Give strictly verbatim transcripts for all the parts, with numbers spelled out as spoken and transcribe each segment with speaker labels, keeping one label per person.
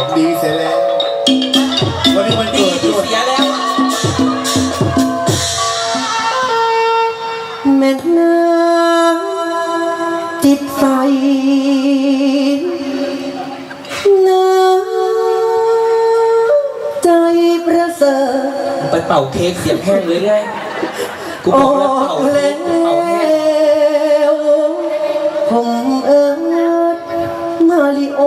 Speaker 1: ดีเสียแล้ววันนี้มัน
Speaker 2: ดี
Speaker 1: เกิด
Speaker 2: ที่
Speaker 1: ด้วย
Speaker 2: เสียแล้ว
Speaker 3: แม่น้ำจิตใสน้ำใจประเสริฐ
Speaker 2: ไปเป่าเค้กเสียงแห้งเลยไงกูบ
Speaker 3: อ
Speaker 2: อกแล้ว
Speaker 3: อ
Speaker 2: เป่าก เค้
Speaker 3: แล้
Speaker 2: กเป่าแห้ง
Speaker 3: วผมเอิญมาริโอ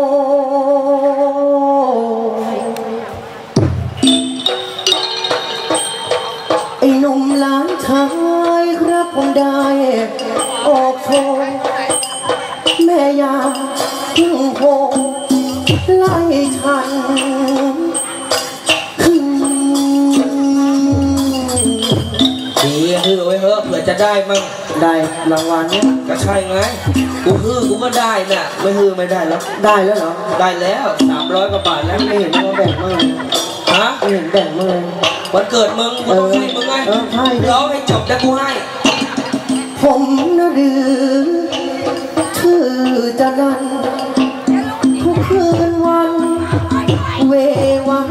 Speaker 3: ไอ้หนุ่มหลานชายครับผมได้ออกโชว์แม่ยาพึ่งโหไล่ทัน
Speaker 2: ดีฮือไว้เฮ้อะเผื่อจะได้มั่ง
Speaker 3: ได้รางวัลเนี่ย
Speaker 2: ก็ใช่ไงกูฮือกูก็ได้น่ะไม่ฮือไม่ได้แล้ว
Speaker 3: ได้แล้วเหรอ
Speaker 2: ได้แล้วสามร้อยกว่าบาทแล้ว
Speaker 3: ไม่เห็นว่าแบ่งมาเลย
Speaker 2: ฮะ
Speaker 3: ไม่เห็นแบ่งมาเลย
Speaker 2: วันเกิดมึงกูต้องให้มึงไง
Speaker 3: เออใช่
Speaker 2: ร้องให้จบแล้วกูให้
Speaker 3: ผมนะหรือชื่อจะนันทุกคืนวันเววา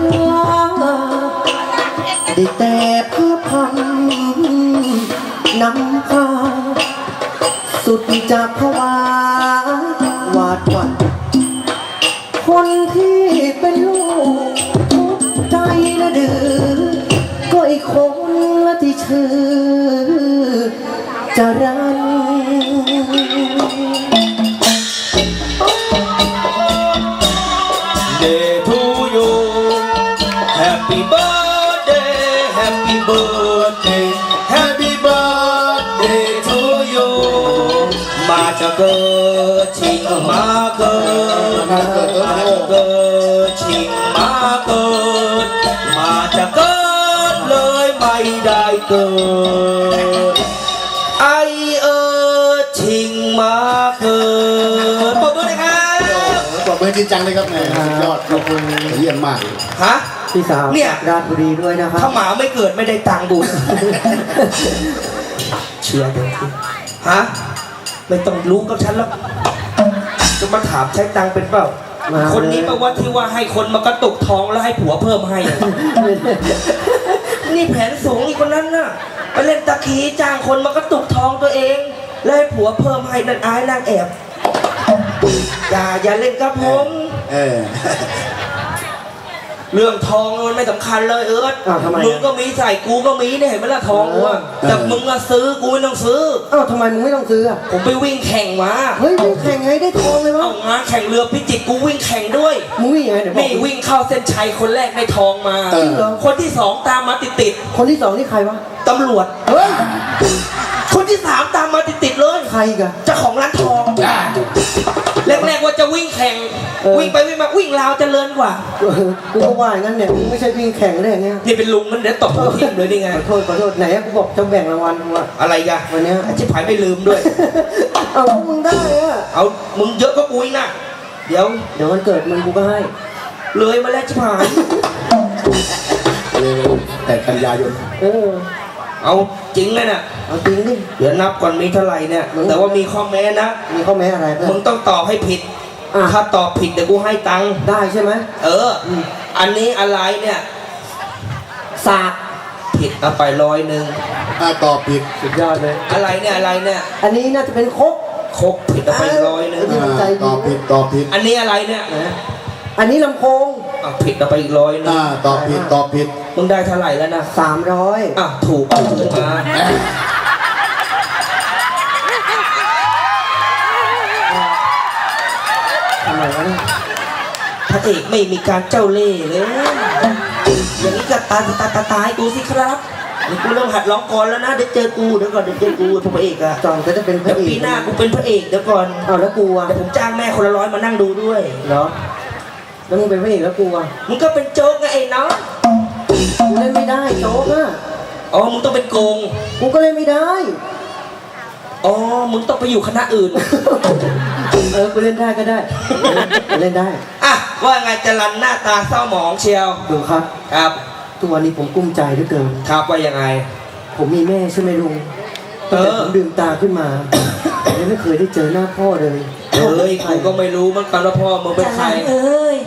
Speaker 3: ได้แต่เพื่อพันนำพาสุดจากภาวะหวาดหวั่นคนที่เป็นลูกทุกใจนะดื้อก็อีกคนละที่ชื่อจรัญ
Speaker 2: Day to you Happy birthday Happy birthday Happy birthday to you มาจะเกิดชิงมาเกิดมาจะเกิดชิงมาเกิดมาจะเกิดเลยไม่ได้เกิดไอเออชิงมาเกิดปรบมือหน่อยครับ
Speaker 1: บอกเบอร์จริงจังเลยครับแหมสุดยอดขอบคุณเยี่ยมมาก
Speaker 2: ฮะ
Speaker 3: พี่สาว
Speaker 2: เนี่ย
Speaker 3: ราชบุรีด้วยนะครับ
Speaker 2: ถ้าหมาไม่เกิดไม่ได้ตังค์ดู เชียร์เดี๋ยวสิฮะไม่ต้องรู้กับฉันแล้วจะมาถามใช้ตังค์เป็นเปล่า
Speaker 3: มา
Speaker 2: คนนี้แปลว่าที่ว่าให้คนมากระตุกท้องแล้วให้ผัวเพิ่มให้อะ นี่แผนสูงอีกคนนั้นน่ะไปเล่นตะขีจ้างคนมากระตุกท้องตัวเองแล้วให้ผัวเพิ่มให้นั่นอายนางแอบอย่าอย่าเล่นกับผม
Speaker 1: เออ
Speaker 2: เรื่องทองมันไม่สำคัญเลยเอิร์ธ
Speaker 3: อ้าวทำไมอะ
Speaker 2: มึงก็มีใส่กูก็มีเนี่ยเห็นไหมล่ะทองกูอะ
Speaker 3: เออ
Speaker 2: แต่มึงอะซื้อกูไม่ต้องซื้อ
Speaker 3: อ้าวทำไมมึงไม่ต้องซื้ออ่ะ
Speaker 2: ผมไปวิ่งแข่งมา
Speaker 3: เฮ้ยมึงแข่งไงได้ทองเลยวะ
Speaker 2: เอางานแข่งเรือพิจิตรกูวิ่งแข่งด้วย
Speaker 3: มึงวิ่งยังไงเดี๋ยวบอก
Speaker 2: นี่วิ่งเข้าเส้นชัยคนแรกได้ทองมา
Speaker 1: เออ
Speaker 2: คนที่สองตามมาติดติด
Speaker 3: คนที่สองนี่ใครวะ
Speaker 2: ๆตำรวจ
Speaker 3: เฮ้ย
Speaker 2: คนที่สามตามมาติดติดๆเลย
Speaker 3: ใครอีกัน
Speaker 2: เจ้าของร้านทองแรกๆว่าจะวิ่งแข่ง
Speaker 3: เออ
Speaker 2: วิ่งไปวิ่งมาวิ่งราวเจริญกว่า
Speaker 3: กูก็ว่าอย่างนั้นเนี่ยมึงไม่ใช่วิ่งแข่งได้อย่างเงี้ย
Speaker 2: นี่เป็นลุงมันเดี๋ยวตบหัวทิ่มเลยนี่ไง
Speaker 3: ขอโทษขอโทษไหนอะกูบอกจะแบ่งรางวัลกูอะ
Speaker 2: อะไรกัน
Speaker 3: วันเนี้ย
Speaker 2: ไอ้ชิบหายไม่ลืมด้วย
Speaker 3: เอาพวกมึงได้อะ
Speaker 2: เอามึงเยอะก็กูอีกนะเดี๋ยว
Speaker 3: เดี๋ยววันเกิดมึงกูก็ให้
Speaker 2: เลยมาแล้วชิบหาย
Speaker 1: เร็วแต่กันยายน
Speaker 3: เออ
Speaker 2: เอาจริงเลยน่ะ
Speaker 3: เอาจริงดิ
Speaker 2: เดี๋ยวนับก่อนมีเท่าไหร่เนี่ย
Speaker 3: มึง
Speaker 2: แต่ว่ามีข้อแม้นะ
Speaker 3: มีข้อแม้อะไรเพื่อ
Speaker 2: มึง
Speaker 3: น
Speaker 2: ต้องตอบให้ผิด
Speaker 3: อ่ะ
Speaker 2: ถ้าตอบผิดเดี๋ยวกูให้ตังค์
Speaker 3: ได้ใช่ไหม
Speaker 2: เอออ
Speaker 3: ม
Speaker 2: อันนี้อะไรเนี่ย
Speaker 3: สาก
Speaker 2: ผิดเอาไปร้อยหนึ่ง
Speaker 1: ถ้าตอบผิด
Speaker 3: สุดยอดเลย
Speaker 2: อะไรเนี่ยอะไรเนี่ย
Speaker 3: อันนี้น่าจะเป็นครก
Speaker 2: ครบผิดเอาไปร้อยหนึ่ง
Speaker 3: เออ ใจดี
Speaker 1: ตอบผิดตอบผิด
Speaker 2: อันนี้อะไรเนี่ย
Speaker 3: นะอันนี้ลำโพง
Speaker 2: อ่ะผิดเอาไปอีกร้อยหนึง
Speaker 1: อ่าตอบผิดตอบผิด
Speaker 2: มึงได้เท่าไหร่แล้วนะ
Speaker 3: สามร้อย
Speaker 2: อ่ะถูกเอาขึ้นมา
Speaker 3: ทำไมวะเนี่ย
Speaker 2: พระเอกไม่มีการเจ้าเล่ห์เลยอย่างนี้ก็ตายตายตายตายกูสิครับเดี๋ยวกูเริ่มหัดร้องก่อนแล้วนะเดี๋ยวเจอกูเดี๋ยวก่อนเดี๋ยวเจอกูพระเอกอะ
Speaker 3: จอนก็จะเป็นพ
Speaker 2: เดี๋ย
Speaker 3: ระ
Speaker 2: ว
Speaker 3: เอก
Speaker 2: ปีหน้ากูเป็นพระเอกเดี๋ยวก่อน
Speaker 3: เอาแล้วกูอ่ะ
Speaker 2: เดี๋ยวผมจ้างแม่คนละร้อยมานั่งดูด้วย
Speaker 3: เหรอแล้วมึงเป็นพระเอกแล้วกูอ่ะ
Speaker 2: มึงก็เป็นโจ๊กไงไอ้น้อง
Speaker 3: กูเล่นไม่ได้โจ๊กอ่ะ
Speaker 2: อ๋อมึงต้องเป็นโกง
Speaker 3: กูก็เล่นไม่ได้
Speaker 2: อ๋อมึงต้องไปอยู่คณะอื่น
Speaker 3: เออกูเล่นได้ก็ได้กูเล่นได้
Speaker 2: อ่ะว่าไงจรันหน้าตาเศร้าหมองเชียว
Speaker 3: ดูครับ
Speaker 2: ครับ
Speaker 3: ทุกวันนี้ผมกุ้มใจเหลือเกิน
Speaker 2: ครับว่ายังไง
Speaker 3: ผมมีแม่ใช่ไหมลุง
Speaker 2: เออ
Speaker 3: แต่ผมลืมตาขึ้นมายังไม่เคยได้เจอหน้าพ่อเลย
Speaker 2: เอ้ยกูก็ไม่รู้เหมันกันว่าพ่อมึงเป็นใคร
Speaker 4: เอ้ย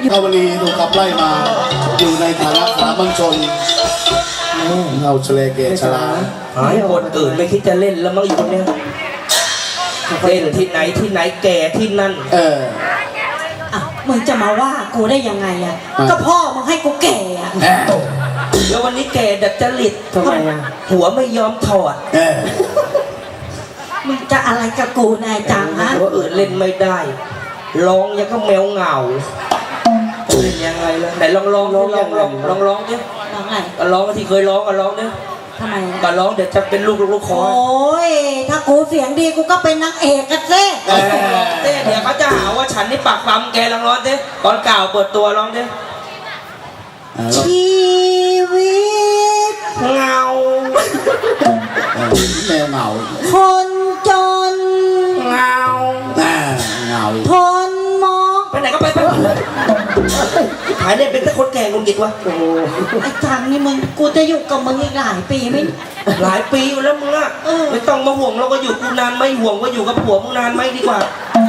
Speaker 1: ข้าวลีถูกขับไล่มา อยู่ในฐานะสามัญชนเอาเฉลเกตชลา
Speaker 2: หายคนอื่นไม่คิดจะเล่นแล้วมั้งอยู่เนี่ยเล่นที่ไหนที่ไหนแก่ที่นั่น
Speaker 1: เออ
Speaker 4: อ่ะมึงจะมาว่ากูได้ยังไงอ่ะ
Speaker 1: อ่ะ
Speaker 4: ก็พ่อมึงให้กูแก่อ่ะ
Speaker 1: เออ
Speaker 2: แล้ววันนี้แก่ดัดจริต
Speaker 3: ทำไมอ่ะ
Speaker 2: หัวไม่ยอมถอด
Speaker 1: เออ
Speaker 4: มึงจะอะไรกับกูนายจังฮะ
Speaker 2: ตัวอื่นเล่นไม่ได้ร้องยังก็แมวเหงาเล่นยังไงล่ะไหนลองร้องลองลองลองลองร้องดิ
Speaker 4: น้องไง
Speaker 2: ก็ร้องที่เคยร้องก็ร้องดิ
Speaker 4: ทำไม
Speaker 2: ก็
Speaker 4: อ่ะ
Speaker 2: ร้องเดี๋ยวจะเป็นลูกลูกลูกคอ
Speaker 4: โอ้ยถ้ากูเสียงดีกูก็เป็นนางเอกกันสิ
Speaker 2: เออร้องดิเดี๋ยวเขาจะหาว่าฉันนี่ปากปั๊มแกลองร้องดิตอนเก่าเปิดตัวร้องดิ
Speaker 1: เออแล้ว
Speaker 4: ชีวิต
Speaker 2: เงา
Speaker 1: เออแมวเหงา
Speaker 4: คนจน
Speaker 2: เงา
Speaker 1: อ่าเหงา
Speaker 4: ทนมอง
Speaker 2: ไปไหนก็ไปไปหายเนี่ยเป็นแต่คนแก่งุนกิดวะ
Speaker 3: โอ้โห
Speaker 4: ไอ้จังนี่มึงกูจะอยู่กับมึงอีกหลายปีไหม
Speaker 2: หลายปีอยู่แล้วมึงอะ
Speaker 4: เออ
Speaker 2: ไม่ต้องมาห่วงเราก็อยู่กูนานไหม่ห่วงว่าอยู่กับผัวมึงนานไหมดีกว่า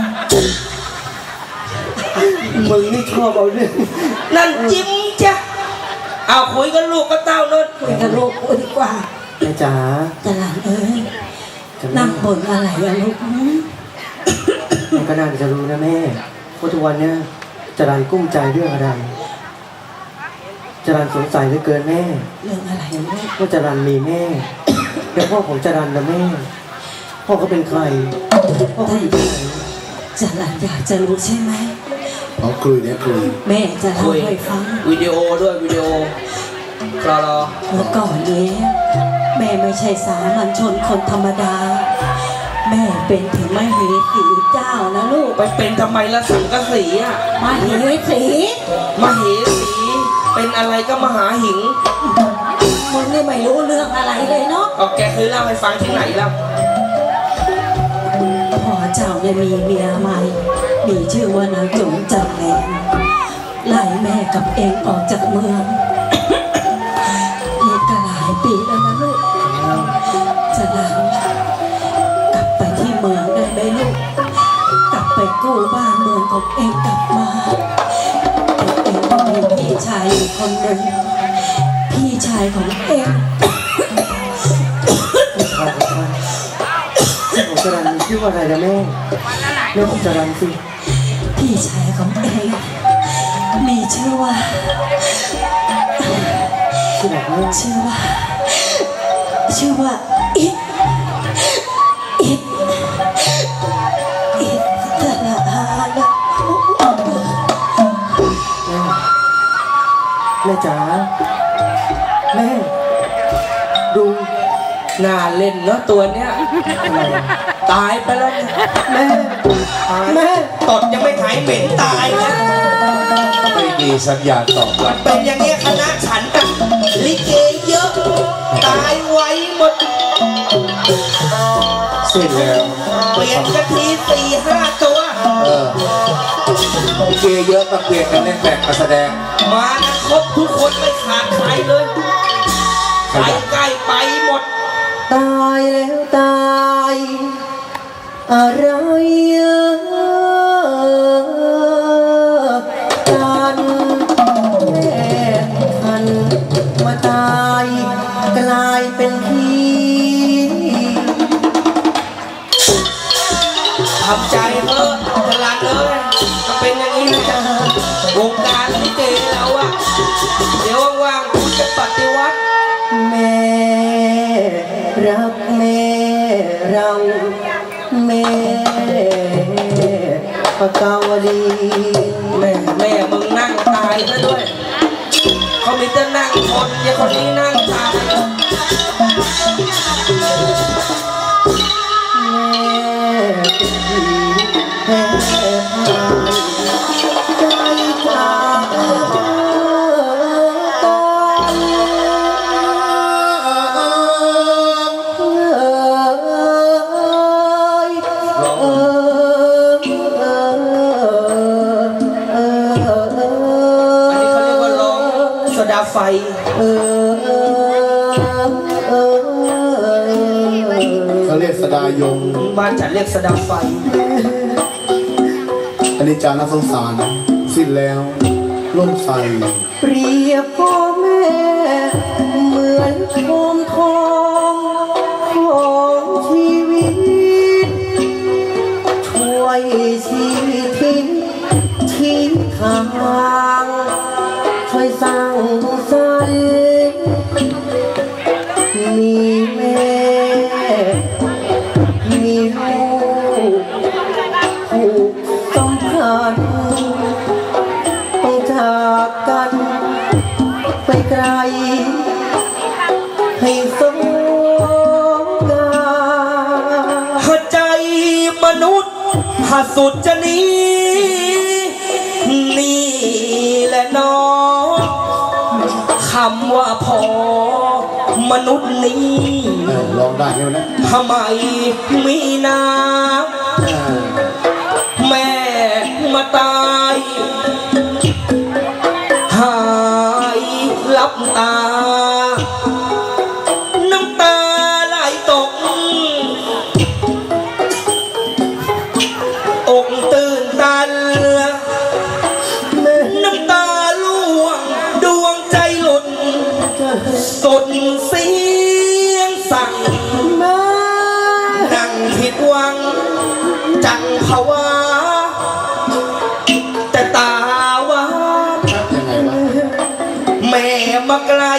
Speaker 3: มึงนี่ชอบเอาเรื่อง
Speaker 2: นั่นจิ้มจ้ะเอาคุยกันลูกก็เต้าโนน
Speaker 4: คุยกับลูกกูดีกว่า
Speaker 3: แม่จ๋า
Speaker 4: แต่หลานเอ้ย
Speaker 3: จะ
Speaker 4: นั่
Speaker 3: นั่
Speaker 4: ง
Speaker 3: ง
Speaker 4: บ่นอะไรอะลูกหืม
Speaker 3: แม่ก็น่าจะรู้นะแม่ว่าทุกวันเนี้ยจรันกุ้มใจเรื่องอะไรจรันสงสัยเหลือเกินแม่
Speaker 4: เรื่องอะไรอะลูก
Speaker 3: ว่าจรันมีแม่ แล้วพ่อของจรันนะแม่ พ่อเขาเป็นใคร พ่อเขาอยู่ที่ไหน
Speaker 4: จะหลานอยากจะรู้ใช่ไหม
Speaker 1: เอาคุยเนี่ยคุย
Speaker 4: แม่จะเล่า
Speaker 2: คุย
Speaker 4: ให้ฟัง
Speaker 2: วิดีโอด้วยวิดีโอรอรอ
Speaker 4: เมื่อก่อนเนี้ยแม่ไม่ใช่สามัญชนคนธรรมดา แม่เป็นถึงมเหสีเจ้านะลูก
Speaker 2: ไปเป็นทำไมละสังกะสีอะ
Speaker 4: มเหสี
Speaker 2: มเหสีเป็นอะไรก็มหาหิง
Speaker 4: มึงนี่ไม่รู้เรื่องอะไรเลยเนาะ
Speaker 2: เอาแกเคยเล่าให้ฟังที่ไหนแล้ว
Speaker 4: พ่อเจ้าเนี่ยมีเมียใหม่ มีชื่อว่านางจงจำแรงไล่แม่กับเองออกจากเมืองนี่ก็หลายปีแล้วนะลูกจะหลานกลับไปที่เมืองได้ไหมลูก กลับไปกู้บ้านเมืองของเองกลับมาแต่เองก็มีพี่ชายอยู่คนหนึ่งพี่ชายของเอง
Speaker 3: ใครของใครของจรันมีชื่อว่าอะไรนะแม่เรื่องของจรันสิ
Speaker 4: พี่ชายของเองมีชื่อว่า
Speaker 3: ชื่อไหนแม่
Speaker 4: ชื่อว่า ชื่อว่าอิดอิดอิดตะละอาละ
Speaker 3: แม่จ๋าแม่ดู
Speaker 2: น่าเล่นเนาะตัวเนี้ย
Speaker 3: อะไรอะ
Speaker 2: ตายไปแล้วเนี่ย
Speaker 3: แม่
Speaker 2: ตาย
Speaker 3: แม่
Speaker 2: ตดยังไม่หายเหม็นตายนะ
Speaker 1: ไม่มีสัญญาณตอบรับ
Speaker 2: เป็นอย่างเงี้ยคณะฉันกับลิเกเยอะ ตายไวหมด
Speaker 1: เสร็จแล้ว
Speaker 2: เปลี่ยนกันทีสี่ห้าตัว
Speaker 1: เออลิเกเยอะต้องเปลี่ยนกันเล่นแบบการแสดง
Speaker 2: มากันครบทุกคนไม่ขาดใครเลยใครใกล้ไปหมด
Speaker 3: ตายแล้วตายอะไรกันแม่คันมาตายกลายเป็นพี่
Speaker 2: ทำใจเถอะตลาดเลยก็เป็นอย่างนี้นะจ๊ะวงการลิเกเราอะเดี๋ยวว่างๆคุณจะปฏิวัติ
Speaker 3: แม่รักแม่เราแม่ปากกาวลี
Speaker 2: แม่แม่มึงนั่งตายซะด้วย เขามีแต่นั่งคนอย่าคนนี้นั่งตาย
Speaker 3: แม่เป็นผีแพ้พ่ายใจจากกัน
Speaker 2: อันนี้เขาเรียกว่าร้องโซดาไฟ
Speaker 1: เขาเรียกสดายง
Speaker 2: บ้านฉันเรียกโซดาไฟ
Speaker 1: อันนี้จาน่าสงสารสิ้นแล้วล่มใส
Speaker 3: เปรียบพ่อแม่เหมือนโคมทองของชีวิตช่วยชี้ทิ้งชี้ทางช่วยสร้างสรรค์มีแม่มีลูกผูกสัมพันธ์ต้องจากกันไปไกลให้สงกรานต์
Speaker 2: หัวใจมนุษย์หาสุดจะหนี้นี่แหละน้องคำว่าพอมนุษย์นี้
Speaker 1: เออลองได้ไหมนะ
Speaker 2: ทำไมมีน้
Speaker 1: เออ
Speaker 2: ำแม่มาตายหายลับตา น้ำตาไหลตก อกตื่นตัน น้ำตาล่วงดวงใจหลุดสุดเสียงสั่ง นั่งผิดหวังจังภาวะแต่ตาว่า
Speaker 1: ยังไงวะ
Speaker 2: แม่มาไกล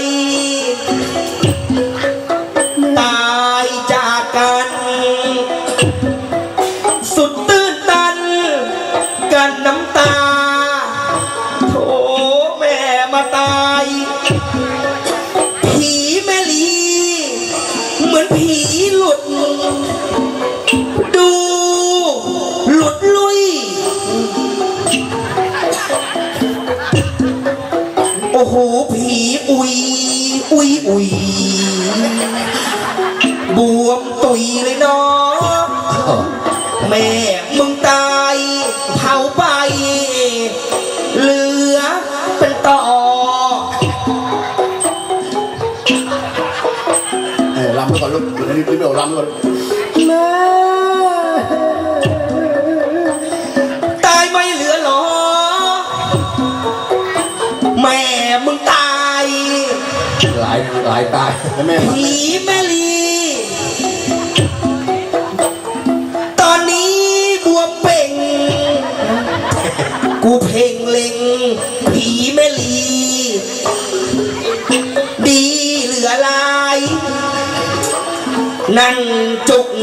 Speaker 2: ตายจากกัน สุดตื้นตัน กันน้ำตาโถแม่มาตาย ผีแม่ลีเหมือนผีหลุด ดูหลุดลุย โอ้โหผีอุยอุยอุยบวมตุยเลยเนาะแม่มึงตายเผาไป เหลือเป็นต่อ
Speaker 1: เออลำไปก่อนลูกอยู่ในนี้รีบเอาลำไปก่อน
Speaker 3: แม่
Speaker 2: ตายไม่เหลือหรอ แม่มึงตาย
Speaker 1: หลายหลายตายแล้วแม่มา
Speaker 2: ผีแม่ลี ตอนนี้บวมเป่ง กูเพ่งเล็ง ผีแม่ลี ดีเหลือลาย นั่งจุก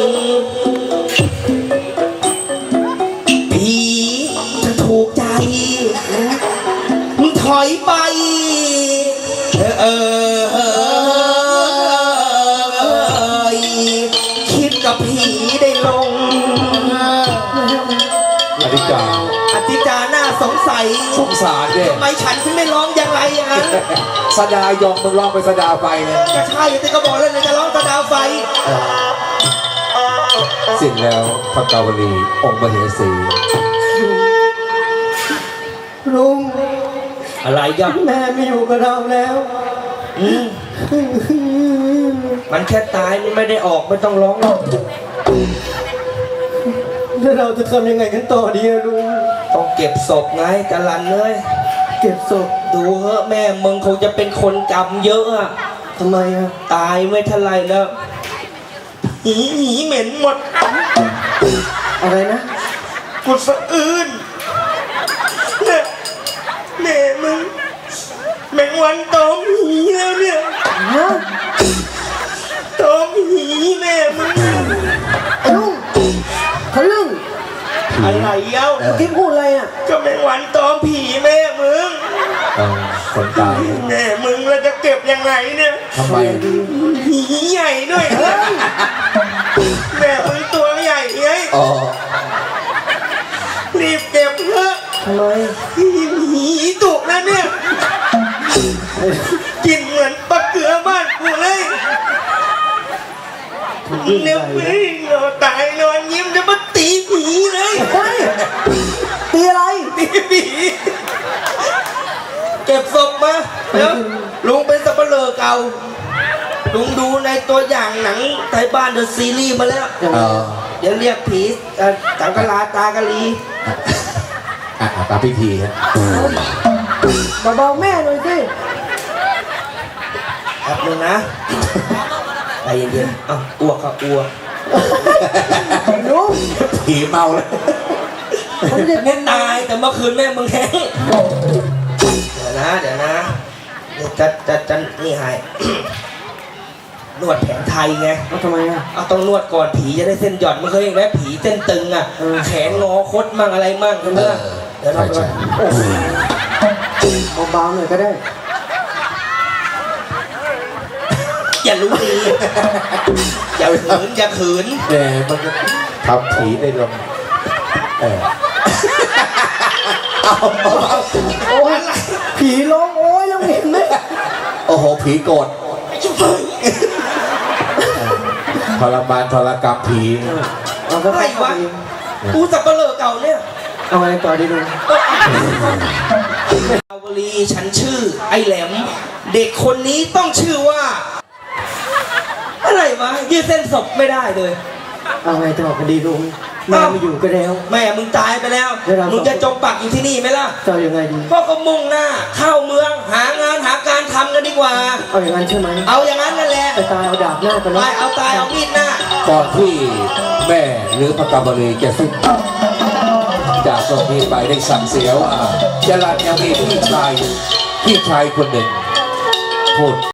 Speaker 2: ผีจะถูกใจมึงถอยไป เออเออคิดกับผีได้ลง
Speaker 1: อธิการ
Speaker 2: อธิจาหน้าสงสัย
Speaker 5: สงสารเนี่ย
Speaker 2: ทำไมฉันถึงไม่ร้องอย่างไรอย่างนั้น
Speaker 5: สดายองมึงลองไปสดาไฟเนี่ย
Speaker 2: ก็ใช่แต่ก็บอกแล้วนะจะร้องตะดาวไฟ
Speaker 5: สิ้นแล้วพระกาวลีองค์มเหสี
Speaker 3: ลุง
Speaker 2: อะไรยัก
Speaker 3: แม่ไม่อยู่กับเราแล้ว
Speaker 2: มันแค่ตายมันไม่ได้ออกไม่ต้องร้องหรอก
Speaker 3: แล้วเราจะทำยังไงกันต่อดีอะลุง
Speaker 2: ต้องเก็บศพไงจรันเลย
Speaker 3: เก็บศพ
Speaker 2: ดูเหอะแม่มึงคงจะเป็นคนกรรมเยอะอะ
Speaker 3: ทำไมอะ
Speaker 2: ตายไม่เท่าไรแล้วหีหีเหม็นหมด
Speaker 3: อะไรนะ
Speaker 2: กูสะอื้นเนี่ยแม่มึงแมงวันตอมหีแล้วเนี่ย
Speaker 3: ฮะ
Speaker 2: ตอมหีแม่มึง
Speaker 3: ไอ้ลุงทะลึ่ง
Speaker 2: อะไรเย้า
Speaker 3: เมื่อกี้พูดอะไรอะ
Speaker 2: ก็แมงวันตอมผีแม่มึง
Speaker 5: เออคนตาย
Speaker 2: แม่มึงเราจะเก็บยังไงเนี่ย
Speaker 5: ทำไม
Speaker 2: หีใหญ่ด้วยแม่มึงตัวใหญ่ไง
Speaker 5: อ๋อ
Speaker 2: รีบเก็บเถอะ
Speaker 3: ทำไม
Speaker 2: หีตุกแล้วเนี่ยกินเหมือนปลาเกลือบ้านกูเลยเนี่ยมึงเราตายนอนยิ้มจะมาตีผีเลย
Speaker 3: เฮ้ยตีอะไร
Speaker 2: ตีผีเก็บศพมาแล้วลุงเป็นสับเปลือเก่าลุงดูในตัวอย่างหนังไทยบ้านเดอะซีรีส์มาแล้ว
Speaker 5: เออ
Speaker 2: เดี๋ยวเรียกผีเอ่อจังกะลาตากะลี
Speaker 5: อ่ะตามพิธีฮะ
Speaker 3: เบาๆแม่หน่อยสิ
Speaker 2: แป๊บนึงนะใจเย็นๆอ้าวอ้วกครับอ้วก
Speaker 3: ลุง
Speaker 1: ผีเมาแล้ว
Speaker 3: ผมจะ
Speaker 2: เน้นตายแต่เมื่อคืนแม่มึงแห้งเดี๋ยวนะเดี๋ยวนะเดี๋ยวจะจะจะนี่ให้ นวดแผนไทยไง
Speaker 3: เอาทำไมอ่ะ
Speaker 2: เอาต้องนวดก่อนผีจะได้เส้นหย่อนไม่เคยเห็นไหมผีเส้นตึงอ่ะ
Speaker 3: เออ
Speaker 2: แขนงอคดมั่งอะไรมั่งใช่ไหมล่ะเดี๋ยวเรา
Speaker 5: ใช่
Speaker 2: ไป
Speaker 3: เบาๆหน่อยก็ได้
Speaker 2: อย่ารู้ดี อย่าขืนอย่าขืน
Speaker 5: แต่มันก็ทำผีได้ลงเออ
Speaker 3: โอ้ยผีร้องโอ้ยแล้วเห็นไหม
Speaker 1: โอ้โหผีโกรธ
Speaker 5: ทรมานทรกรรมผี
Speaker 3: เอาก็
Speaker 2: อะไร
Speaker 3: เข้าไป
Speaker 2: วะกูสับเปลือเก่าเนี่ย
Speaker 3: เอาไงต่อดีลุง
Speaker 2: ดาวลีฉันชื่อไอ้แหลม เด็กคนนี้ต้องชื่อว่า อะไรวะยืดเส้นศพไม่ได้เลย
Speaker 3: เอาไงต่อกันดีลุงแม่ไม่อยู่ก็แล้ว
Speaker 2: แม่มึงตายไปแล้ว
Speaker 3: เดี๋ยวเรา
Speaker 2: มึงจะจมปักอยู่ที่นี่ไหมล่ะ
Speaker 3: จะเอายังไงดี
Speaker 2: พ่อก็มุ่งหน้า เข้าเมืองหางานหาการทำกันดีกว่า
Speaker 3: เอาอย่างนั้นใช่ไหม
Speaker 2: เอาอย่างนั้นนั่นแหละ
Speaker 3: ไปตายเอาดาบหน้ากัน
Speaker 2: ไป
Speaker 3: แล้ว
Speaker 2: เอาตายเอามีดหน้า
Speaker 5: ก่อนที่แม่หรือพระกาวลีจะสิ้นจากตรงนี้ไปได้สั่งเสียว่าจรัญยังมีพี่ชายพี่ชายคนหนึ่งพูด